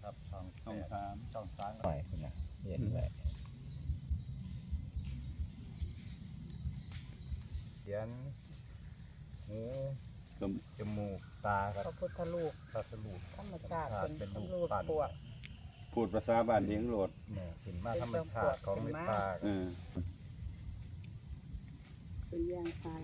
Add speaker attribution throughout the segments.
Speaker 1: ครับช่อง
Speaker 2: ช่องสาม
Speaker 1: ช่อง3
Speaker 3: หน่อยคุณนะเย็นไว้
Speaker 1: เขียนหู
Speaker 2: ก็
Speaker 1: จมูกตาค
Speaker 4: พ
Speaker 1: รับ
Speaker 4: ระพุทธรูป
Speaker 1: พระสรูป
Speaker 4: ธรรมชาติ
Speaker 1: เป็นรูป
Speaker 4: รูป
Speaker 1: ปั้น
Speaker 4: ปวก
Speaker 2: พูดภาษาบ้านเลี้ยงโหลด
Speaker 1: เนี่ยสินมาธรรมชาติของเมตตา
Speaker 2: เออ
Speaker 4: เป็นยางตา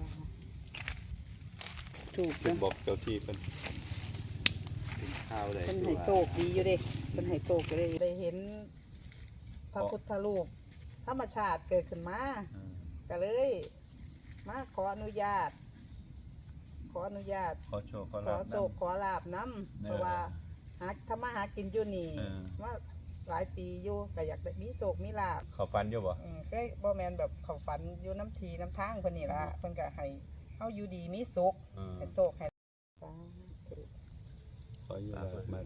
Speaker 4: ถูก
Speaker 2: เป็นบอกเจ้าที่เป็นข้าวได้
Speaker 4: เป็นไห้โศกดีอยู่เด้เป็นไห้โศกอยู่เด้ได้เห็นพระพุทธรูปธรรมชาติเกิดขึ้นมาก็เลยมาขออนุญาต
Speaker 1: ขอโชคขอ
Speaker 4: ข
Speaker 1: ลา
Speaker 4: อบ โศกขอลาบน้ำเพราะว่าหาทำมาหากินอยู่นี่ว่าหลายปีอยู่ก็อยากได้มีโศกมีลาบ
Speaker 1: เขาฟันอยู่บ่
Speaker 4: ก็บ่แมนแบบเขาฝันอยู่น้ำทีน้ำทางเพิ่นนี่ละเพิ่นก็ให้เฮาอยู่ดีมีสุขให้โศกให้
Speaker 2: ขออยู่แล้วมา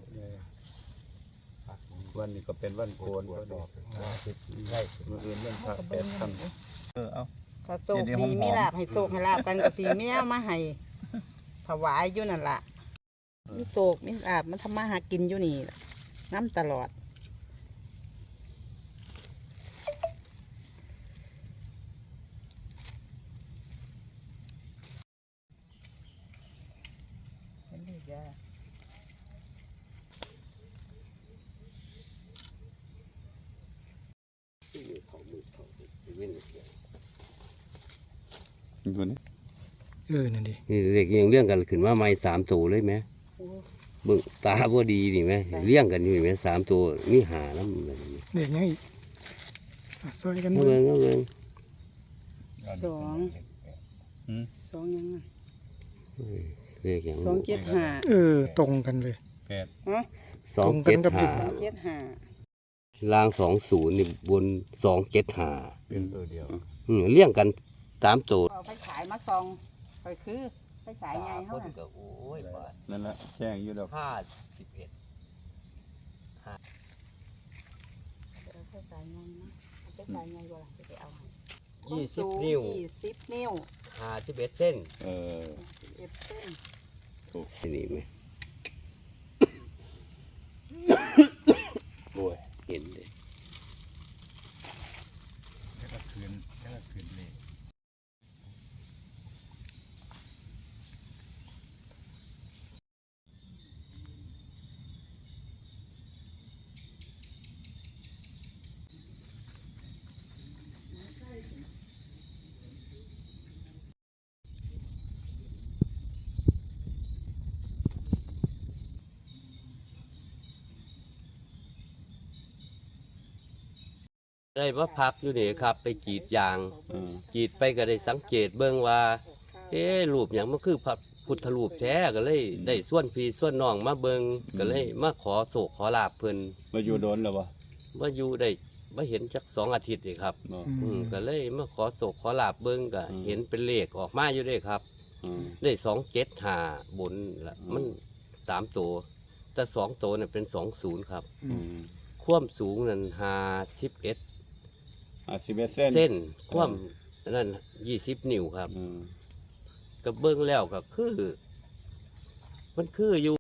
Speaker 2: วันนี้ก็เป็นวันโกนก็ดอก
Speaker 1: ได้
Speaker 2: มื้ออื่นเรื่องพระแปดคำเอา
Speaker 4: ถ้าโศกดีมีลาบให้โศกให้ลาบกันก็สิมีเอามาให้ถวายอยู่นั่นล่ะมีโศกมีลาบมันทำมาหากินอยู่นี่ล่ะน้ำตลอดเห็นดีจ้ะ
Speaker 2: คนนี้
Speaker 3: นั่นดิ
Speaker 5: นี่เด็กยังเลี้ยงกันขึ้นมาไม่3 ตัวเลยไหมเบิ่งตาบ่ดีนี่ไหมเลี้ยงกันอยู่ไหม3 ตัวมีหาน้ำแบบนี้
Speaker 6: เด็กยังอีกซอยกัน
Speaker 5: เอาเบิ่งเอาเบิ่ง
Speaker 4: สองสองยังไง
Speaker 5: เด็กยัง
Speaker 4: 275
Speaker 6: ตรงกันเลย
Speaker 1: แปด
Speaker 4: ฮะ
Speaker 5: 275
Speaker 4: 275
Speaker 5: ล่าง20นี่บน275
Speaker 1: เป็นตัวเดียว
Speaker 5: เลี้ยงกัน3 ตัว
Speaker 4: เอาไปขายมาซองไปคือไปขายไงเฮาน่ะ
Speaker 5: ก็โอ้ยบาท
Speaker 2: นั่นแหละแจ้งอยู่ดอก
Speaker 5: 51
Speaker 4: เอาไปขายไงนะเอาไปขายไงบ่ล่ะจะไปเอาให้
Speaker 5: 20 นิ้ว
Speaker 4: 20 นิ้ว
Speaker 5: 51เส้น
Speaker 2: เออ
Speaker 4: 11เส้น
Speaker 5: นี่ไหมโอ้ยเห็นเลย
Speaker 1: แล้วก็คืนเลย
Speaker 5: ได้มาพักอยู่นี่ครับ ไปกรีดยาง กรีดไปก็ได้สังเกตเบิ่งว่า รูปอย่างมันคือพระพุทธรูปแท้ก็เลยได้ส่วนพี่ส่วนน้องมาเบิ่งก็เลยมาขอโศกขอลาบเพิ่น
Speaker 2: มาอยู่โดนแล้วบ่
Speaker 5: มาอยู่ได้มาเห็นจัก2 อาทิตย์นี่ครับ
Speaker 2: บ่
Speaker 5: ก็เลยมาขอโศกขอลาบเบิ่งก็เห็นเป็นเลขออกมาอยู่เด้ครับ
Speaker 2: อืม
Speaker 5: ได้275บนละมัน3 ตัวแต่2 ตัวน่ะเป็น20ครับ
Speaker 2: อืม
Speaker 5: ความสูงนั่น51
Speaker 2: 51เส้น
Speaker 5: เส้นความนั่น20 นิ้วครับ
Speaker 2: อืม
Speaker 5: ก็เบิ่งแล้วก็คือ มันคืออยู่